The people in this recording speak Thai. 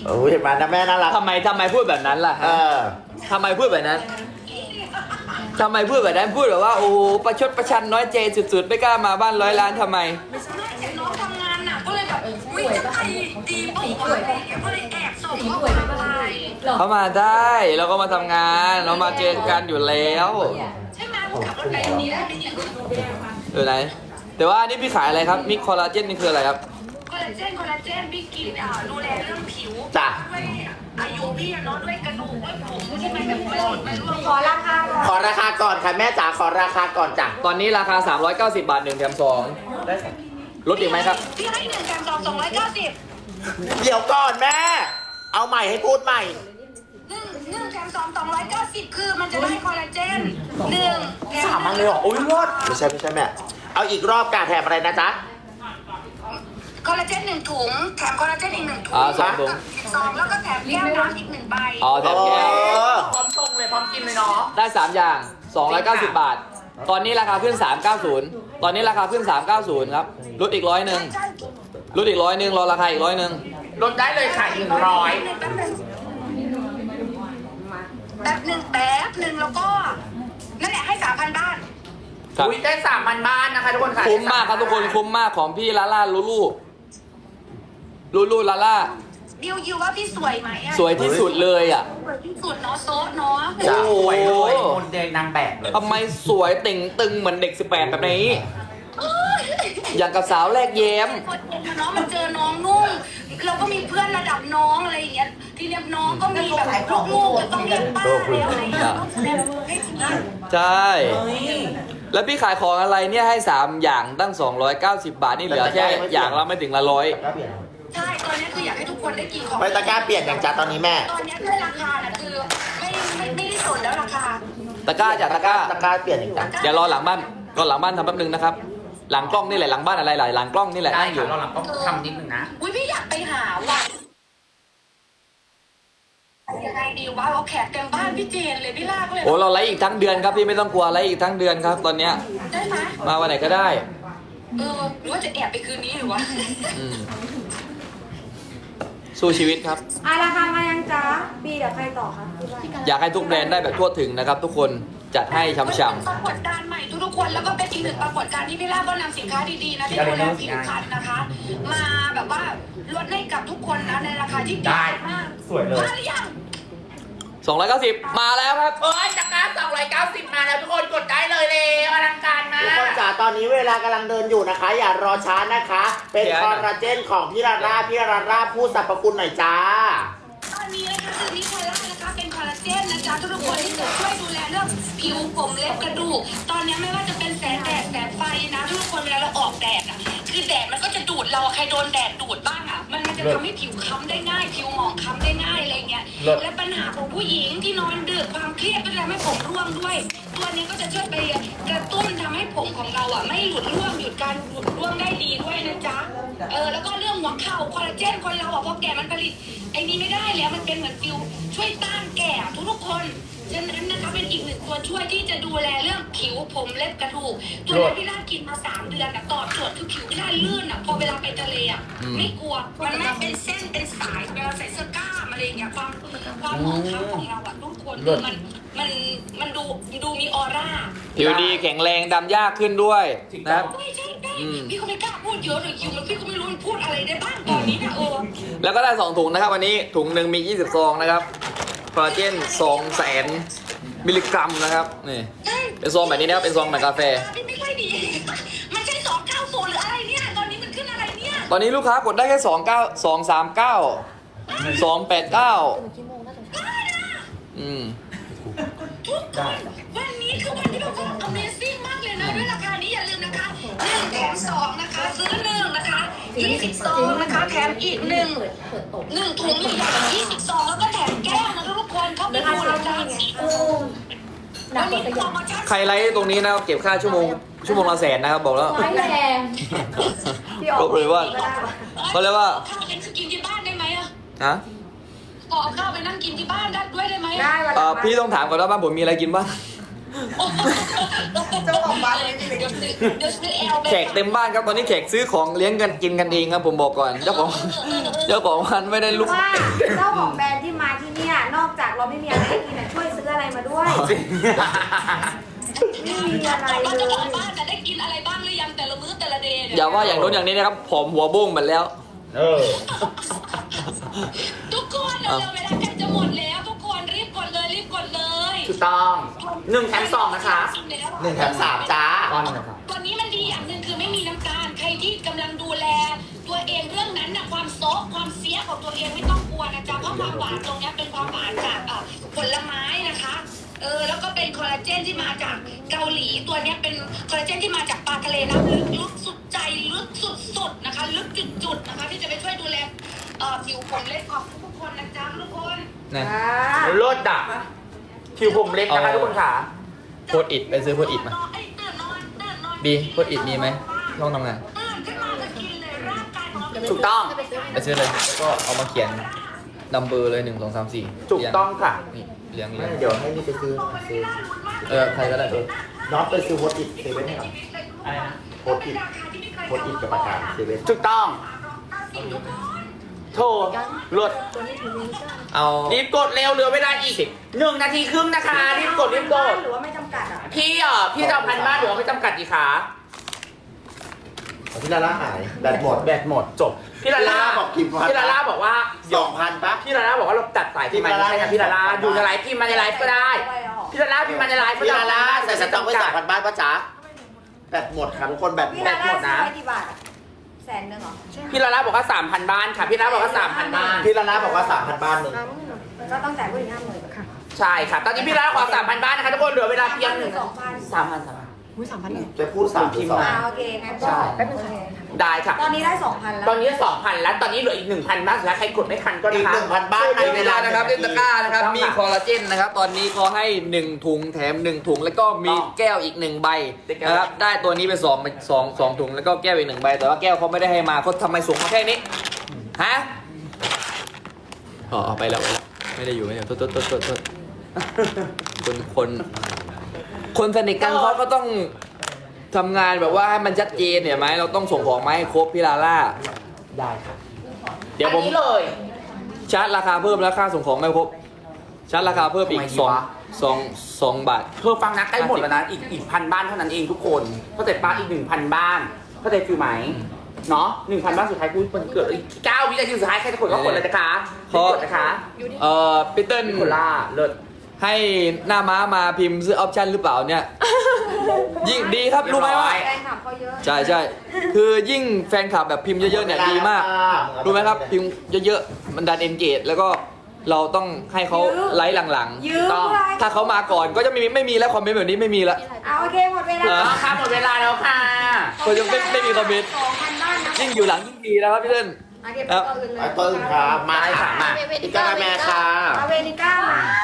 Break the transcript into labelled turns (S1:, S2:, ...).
S1: โอ้ยเห็นไหมนะแม่น่ารัก
S2: ทำไมพูดแบบนั้นล่ะฮะทำไมพูดแบบนั้นทำไมพูดแบบนั้นพูดแบบว่าโอ้ประชดประชันน้อยใจสุดๆไม่กล้ามาบ้าน100 ล้านทำไม
S3: ไม่เห็นน้องทำงานหนักก็เลยแบบวิ่งจะไปดีปุ๊บอะไรอย่างเงี้ยก็เลยแอบส่งข้อความไป
S2: เขามาได้เราก็มาทำงานเรามาเจอกันอยู่แล้ว
S3: ใช่ไหมผมขับรถไปตรงนี้ได้ไหมเนี่ย
S2: อยู่ไหนแต่ว่าอันนี้พี่ขายอะไรครับมิกคอลลาเจนนี่คืออะไรครับ
S3: คอลลาเจนพี่กินดูแลเรื่องผิว
S1: จ้ะ
S3: ด้วยอายุพี่เนาะด้วยกระดูกด้วยผมใช่ไหมแบบมันร่วง
S4: ขอราคาก่อน
S1: ขอราคาก่อนค่ะแม่จ๋าขอราคาก่อนจ้ะ
S2: ตอนนี้ราคา390 บาท1 แถม 2ลดอีกไหมครับ
S3: พี่ให้1 แถม 2 290
S1: เดี๋ยวก่อนแม่ เอาใหม่ให้พูดใหม่
S3: 1 แถม 2 290คือมันจะได้คอลลาเจน1
S1: สามอันเลยเหรอโอ้ยรอดไม่ใช่แม่ เอาอีกรอบการแถมอะไรนะจ๊ะ
S3: คอลลาเจน1 ถุงแถมคอลลาเจนอีก1 ถุง
S2: สองถุง
S3: 2แล้วก็แถมแก้วน้ำอีก1 ใบ
S2: อ๋อแถมแก้ว
S4: พร้อมส่งเลยพร้อมกินเลยเนาะ
S2: ได้ 3 อย่าง 290 บาท ตอนนี้ราคาขึ้น 390 ตอนนี้ราคาขึ้น 390 ครับลดอีก100ลดอีก100รอราคาอีก100
S4: ลดได้เลยค่ะ100
S3: แป๊บหนึ่งแล้วก็นั่นแหละให้ 3,000 บ้าน
S2: ครับ
S4: อุ้ยได้3,000 บ้านนะคะทุกคนค่ะ
S2: คุ้มมากครับทุกคนคุ้มมากของพี่ลาล่าลูลูลาล่า
S3: ดิวว่าพี่สวยไหมอะ
S2: สวยที่สุดเลยอ่ะ
S3: สวยที่สุดเนาะโซะเนาะ
S1: จ้ะ
S2: โอ้
S4: สวยเลย
S2: โห
S4: โมเดลนางแบบเลย
S2: ทำไมสวยติ่งตึงเหมือนเด็ก 18 แบบนี้ อย่างกับสาวแรกแย้ม
S3: คนเห็นเนาะมันเจอน้องนุ่งเราก็มีเพื่อนระดับน้องอะไรอย่างเงี้ยทีเนี้ยน้องก็มีแบบลูกๆจะต้องเรียกป้าแล้วอะไรอย่างเงี้ยต้องแสดงให้ทีนี้
S2: ใช่ แล้วพี่ขายของอะไรเนี่ยให้ 3 อย่างตั้ง 290 บาทนี่เหลือแค่อย่างละไม่ถึงละร้อย
S3: ใช่ตอนนี้คืออยากให้ทุกคนได้กินของ
S1: ไม่ตะกร้าเปลี่ยนอย่างจ้ะตอนนี้แม่
S3: ตอนนี้ด้วยราคาน่ะคือไม่ได้สนแล้วราคา
S2: ตะกร้าจากตะกร้า
S1: ตะกร้าเปลี่ยนอย่างจ้ะ
S2: เดี๋ยวรอหลังบ้านก่อนหลังบ้านทำแป๊บนึงนะครับ หลังกล้องนี่แหละหลังบ้านอะไรหลายหลังกล้องนี่แหละ
S4: ได้
S2: นั่งอยู่
S4: ค่ะเราหลังต้องทำนิดนึงนะ
S3: อุ้ยพี่อยากไปหาว่ะยังไงดีวะเอาแขกเต็มบ้านพี่เจนเลยพี่ลากเลย
S2: โอ้เราไลฟ์อีกทั้งเดือนครับพี่ไม่ต้องกลัวไลฟ์อีกทั้งเดือนครับ ตอนเนี้ย
S3: ได้ไหม
S2: มาวันไหนก็ได้
S3: หรือว่าจะแอบไปคืนนี้หรือวะ
S2: อืมสู้ชีวิตครับ
S5: ราคามายังจ๊ะปีเดี๋ยวใครต่อคะ
S2: อยากให้ทุกแบรนด์ได้แบบทั่วถึงนะครับ ทุกคนจัดให้ช่ำ
S3: ปรากฏการณ์ใหม่ทุกๆคนแล้วก็เป็นอีกหนึ่งปรากฏการณ์ที่พี่ลาก็นำสินค้าดีๆนะที่ดูแลผิวพรรณนะคะ มาแบบว่าลดให้กับทุกคนนะในราคาที่ดีมาก
S4: สวยเลย
S3: มาหรือยัง
S2: 290 มาแล้วครับ
S4: โอ้ยจากการ290 มาแล้วทุกคนกดได้เลยอลังการมา
S1: ทุกคน
S4: ก
S1: จ๋าตอนนี้เวลากำลังเดินอยู่นะคะ อย่ารอช้านะคะ เป็น
S2: เดี๋ยว
S1: คอ
S2: นะ
S1: ลลาเจนของพี่ลาล่าพูดสรรพคุณหน่อยจ้า
S3: ตอนนี้นะคะคือนิโคล่านะคะเป็นคอลลาเจนนะจ๊ะทุกคนที่จะช่วยดูแลเรื่องผิวผมเล็บกระดูกตอนนี้ไม่ว่าจะเป็นแสงแดดแสงไฟนะทุกคนเวลาเราออกแดดอ่ะคือแดดมันก็จะดูดเราใครโดนแดดดูดบ้างอ่ะมันจะทำให้ผิวค้ำได้ง่าย ผิวหมองค้ำได้ง่ายอะไรเงี้ยและปัญหาของผู้หญิงที่นอนดึกความเครียดก็จะทำให้ผมร่วงด้วย ตัวนี้ก็จะช่วยไปกระตุ้นทำให้ผมของเราอ่ะไม่หลุดร่วงหยุดการหลุดร่วงได้ดีด้วยนะจ๊ะแล้วก็เรื่องหัวเข่าคอลลาเจนคนเราอ่ะพอแก่มันผลิตไอ้นี่ไม่ได้แล้วมันเป็นเหมือนฟิวช่วยต้านแก่ทุกๆคนฉะนั้นนะคะเป็นอีกหนึ่งตัวช่วยที่จะดูแลเรื่องผิวผมเล็บกระดูกตัวนี้พี่ล่ากินมา3 เดือนอ่ะตอบโจทย์คือผิวพี่ล่าลื่นอ่ะพอเวลาไปทะเลอ่ะไม่กลัวมันไม่เป็นเส้นเป็นสายเวลาใส่เสื้อกล้ามอะไรอย่างเงี้ยความหมองคล้ำของเราอ่ะทุกคนมันดูมีออร่า
S2: ผิวดีแข็งแรงดำยากขึ้นด้วยนะครับ
S3: ใช่พี่ก็ไม่กล้าพูดเยอะเลยคิวมันพี่ก็ไม่รู้มันพูดอะไรได้บ้างตอนนี้นะ
S2: แล้วก็ได้ 2 ถุงนะครับวันนี้ถุงหนึ่งมี 20 ซองนะครับคอลลาเจน200,000 มิลลิกรัมนะครับนี่เป็นซองแบบนี้นะครับเป็นซองแบบกาแฟ
S3: ไม่ค่อยดีมันใช่290หรืออะไรเนี่ยตอนนี้มันขึ้นอะไรเนี่ย
S2: ตอนนี้ลูกค้ากดได้แค่239 289
S3: ทุกคนวันนี้คือวันที่แบบว่า Amazing มากเลยนะด้วยราคานี้อย่าลืมนะคะ1 แถม 2นะคะซื้อ1นะคะ20 ซองนะคะแถมอีก1ถุงใหญ่ๆ20 ซองแล้วก็แถมแก้วนะทุกคนเข้าไปดูเลยจ้าวันนี้โปรโมชั่น
S2: ใครไลฟ์ตรงนี้นะครับเก็บค่าชั่วโมงละแสนนะครับบอกแล้ว
S5: ไม่แรง
S2: ก็เลยว่าเขาเรียกว่า
S3: ข้าวเป็นกินที่บ้านได้ไหมอะ
S2: ฮะ
S3: ขอเอาข้าวไปนั่งกินที่บ้านได้ด้วยได้ไหม
S5: ได้วันละ
S2: พี่ต้องถามก่อนว่าบ้านผมมีอะไรกินบ้าง
S3: เจ้าของบ้านเลยเดี๋ยวซื้อแอล
S2: แขกเต็มบ้านครับตอนนี้แขกซื้อของเลี้ยงกันกินกันเองครับผมบอกก่อนเจ้าของร้านไม่ได้ลุก
S5: ว่าเจ้าของแบรนด์ที่มาที่เนี่ยนอกจากเราไม่มีอะไรให้กินช่วยซื้ออะไรมาด้วยไม่มีอะไร
S3: ว่า
S5: เล
S3: เจ้าของ
S5: ย
S3: บ้านจะได้กินอะไรบ้างหรือยังแต่ละมื้อแต่ละเดย์
S2: อย่าว่าอย่างโน้นอย่างนี้นะครับผอมหัวบุ้งหมดแล้ว
S3: ทุกคนเร็วๆเวลาใกล้จะหมดแล้วทุกคนรีบกดเลยรีบกดเลย
S4: ถูกต้อง1 แถม 2นะคะ
S1: 1 แถม 3 จ้า
S3: ตัวนี้มันดีอย่างหนึ่งคือไม่มีน้ำตาลใครที่กำลังดูแล ตัวเองเรื่องนั้นนะความโซะความเสียของตัวเองไม่ต้องกลัวนะจ๊ะเพราะความหวานตรงเนี้ยเป็นความหวานจากผลไม้นะคะแล้วก็เป็นคอลลาเจนที่มาจากเกาหลีตัวเนี้ยเป็นคอลลาเจนที่มาจากปลาทะเลน้ำลึกสุดใจลึกสุดๆนะคะลึกจุดๆนะคะที่จะไปช่วยดูแลผิวผมเล็กของทุกคนนะจ๊ะทุกคน
S2: นะ
S4: รถดับผิวผมเล็กนะคะทุกคนค่ะ
S2: โพดอิดไปซื้อโพดอิดมาบีโพดอิดมีไหมห้องทำงาน
S4: ถูกต้อง
S2: ไปซื้อเลยแล้วก็เอามาเขียนนัมเบอร์เลย1 2 3 4
S4: ถูกต้องค่ะ
S2: นี่เรียง
S1: ไม่เดี๋ยวให้นี่ไปซื้อ
S2: ใครก็ได้
S1: น็อตไปซื้อโพสต์อิทเซเว่นให้หน่อยโพสต์อิทกับประกาศเซเว่น
S4: ถูกต้อง โทรรถ
S2: เอา
S4: รีบกดเร็วเหลือเวลาอีก1 นาทีครึ่งนะคะ รีบกดรีบกด
S5: หรือว่าไม่จำกัดอ่ะ
S4: พี่จะเอาพันบ้านหรือว่าไม่จำกัดดีคะ
S1: พี่ลาล่าหายแบตหมด
S4: แบตหมดจบ พี่ลาล่า
S1: บอกกี่พัน
S4: พี่ลาล่าบอกว่า
S1: 2,000ปะ
S4: พี่ลาล่าบอกว่าเราตัดสายพี่มันไม่ใช่นะพี่ลาล่าอยู่ในไลฟ์พิมพ์มาในไลฟ์ก็ได้ พี่ลาล่าพิมพ์มาในไลฟ์ก็
S1: พี่
S4: ได้
S1: ลาล่าใส่สต็อกไว้2,000 บ้านปะจ๊ะแบตหมดค่ะทุกคนแบตห
S5: พี่
S1: มด
S5: ลาล่า
S4: หมด
S5: ซื้
S4: นะ
S5: อไว้กี่บาท100,000เหรอ
S4: พี่ลาล่าบอกว่า 3,000 บ้านค่ะ พี่ลาล่าบอกว่า 3,000 บ้าน
S1: พี่ลาล่าบอกว่า 3,000 บ้านหนึ่ง
S5: ก็ต้องจ่ายเพิ่ม50,000ค่ะ
S4: ใช่ค่ะ ตอนนี้พี่ลาล่าขอ 3,000 บ้านนะคะทุกคนเหลือเวลาเพียง
S5: 2,000
S1: จะพูด3
S4: พิมพ์
S1: 2
S4: มา
S5: โอเคงั้นก็แป๊บนึง
S4: ได้ค่ะ
S5: ตอนนี้ได้ 2,000 แล้ว
S4: ตอนนี้ 2,000 แล้ว ตอนนี้เหลืออีก 1,000 บ้านสุดท้ายใครกดไม่ทันก็
S1: อีก
S4: นะคะ
S1: 1,000 บ้านใน
S2: ใน
S1: เว
S2: เว
S1: ลา
S2: ลานะครับเล่นตะกร้านะครับมีคอลลาเจนนะครับตอนนี้เขาให้1 ถุงแถม1 ถุงแล้วก็มีแก้วอีก1 ใบนะครับได้ตัวนี้ไป2 ถุงแล้วก็แก้วอีก1 ใบแต่ว่าแก้วเขาไม่ได้ให้มาเขาทำไมส่งมาแค่นี้ฮะอ๋อไปแล้วไม่ได้อยู่ไม่ได้โทษคนสนิทกันเขาก็ต้องทำงานแบบว่าให้มันชัดเจนเนี่ยไหมเราต้องส่งของมาให้ครบพี่ลาล่า
S4: ได้ค่ะ
S2: เดี๋ยวผม
S4: อันนี้เลย
S2: ชาร์จราคาเพิ่มแล้วค่าส่งของไม่ครบชาร์จราคาเพิ่มอีก
S4: ทำไมดีวะ
S2: 2 บาท
S4: เธอฟังนะใกล้หมดแล้วนะ อีก1,000 บ้านเท่านั้นเองทุกคนเข้าใจปะอีก 1,000 บ้านเข้าใจฟิลไหมเนาะ 1,000 บ้านสุดท้ายกูมันเกิดอีก9 วินาทีสุดท้ายใครจะกดก็กดเลยนะคะ
S2: ขอ
S4: กดนะคะ
S2: พีเติ้ล
S4: โคล่าเลิศ
S2: ให้หน้าม้ามาพิมพ์ซื้อออปชั่นหรือเปล่าเนี่ย ยิ่งดีครับรู้ไหมว่า
S5: แฟนคลับเขาเยอะ
S2: ใช่คือยิ่งแฟนคลับแบบพิมพ์เยอะๆเนี่ยดีมากรู้ไหมครับพิมพ์เยอะๆมันดันเอนเกจแล้วก็เราต้องให้เขาไลค์หลัง
S5: ยืม
S2: ๆต้อง
S5: เลย
S2: ถ้าเขามาก่อนก็จะไม่มีแล้วคอมเมนต์แบบนี้ไม่มีละ
S5: โอเคหมดเวลา
S4: เอาค่ะหมดเวลาแล้วค่ะ
S2: ก็ยังไม่มีคอมเมนต์
S5: 2,000 บ้านนะ
S2: ยิ่งอยู่หลังยิ่งดีนะครับพี่เติ้ล
S5: โอเคไปตัวอื่นเลย
S1: ไปตัวอื่นครับมา
S4: ได้ค่ะมา
S1: อีกกาแมค่ะ
S5: เอาเวนิก้ามา